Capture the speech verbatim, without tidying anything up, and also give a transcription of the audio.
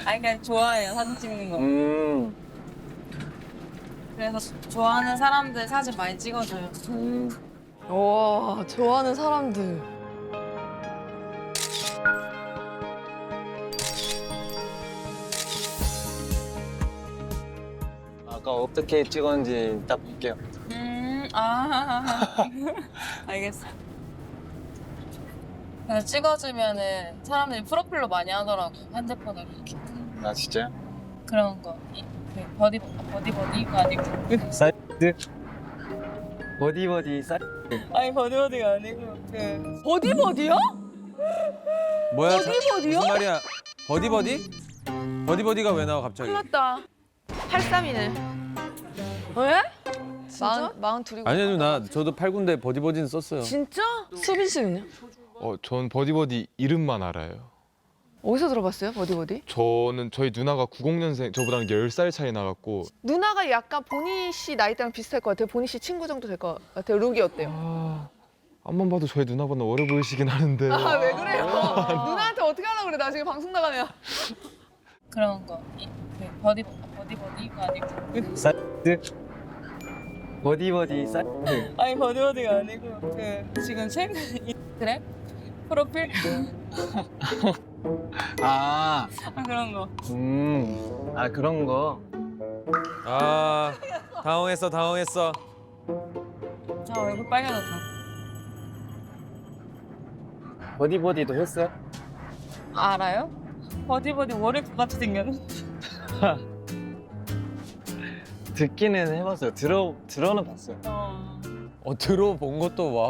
아니 그냥 좋아해요 사진 찍는 거. 음. 그래서 좋아하는 사람들 사진 많이 찍어줘요. 음. 와, 좋아하는 사람들. 아까 어떻게 찍었는지 딱 볼게요. 음, 아, 알겠어. 그래서 찍어주면은 사람들이 프로필로 많이 하더라고 핸드폰으로 이렇게 아 진짜요? 그런 거. 이, 그 버디 버디 버디가 아니고. 사이드. 버디 버디 사이드. 아니 버디 버디가 아니고 그. 버디버디요? 뭐야? 버디버디요? 무슨 말이야? 버디버디? 버디버디가 왜 나와 갑자기? 큰일 났다. 팔삼이네. 왜? 마흔, 마흔 둘이고. 아니요 누나 저도 팔 군데 버디버디는 썼어요. 진짜? 수빈 씨는요? 어, 전 버디버디 이름만 알아요. 어디서 들어봤어요, 버디버디? 저는 저희 누나가 구십 년생, 저보다는 열 살 차이 나갖고 누나가 약간 보니 씨 나이대랑 비슷할 것 같아요. 보니 씨 친구 정도 될 것 같아요. 룩이 어때요? 아, 앞만 봐도 저희 누나보다 어려 보이시긴 하는데 아, 왜 그래요? 누나한테 어떻게 하려고 그래, 나중에 방송 나가면. 그런 거. 이, 그 버디 버디 버디가 아니고. 사이드. 버디 버디 사이드. 아니 버디 버디가 아니고 그 지금 최근 인스타그램 프로필 아. 아, 그런 거. 음. 아 그런 거. 아 당황했어 당황했어. 아 얼굴 빨개졌다. 버디 버디도 했어요? 알아요? 버디 버디 월요일 같이 생겼는데. 듣기는 해봤어요. 들어 들어는 봤어요. 어. 어 들어본 것도 와.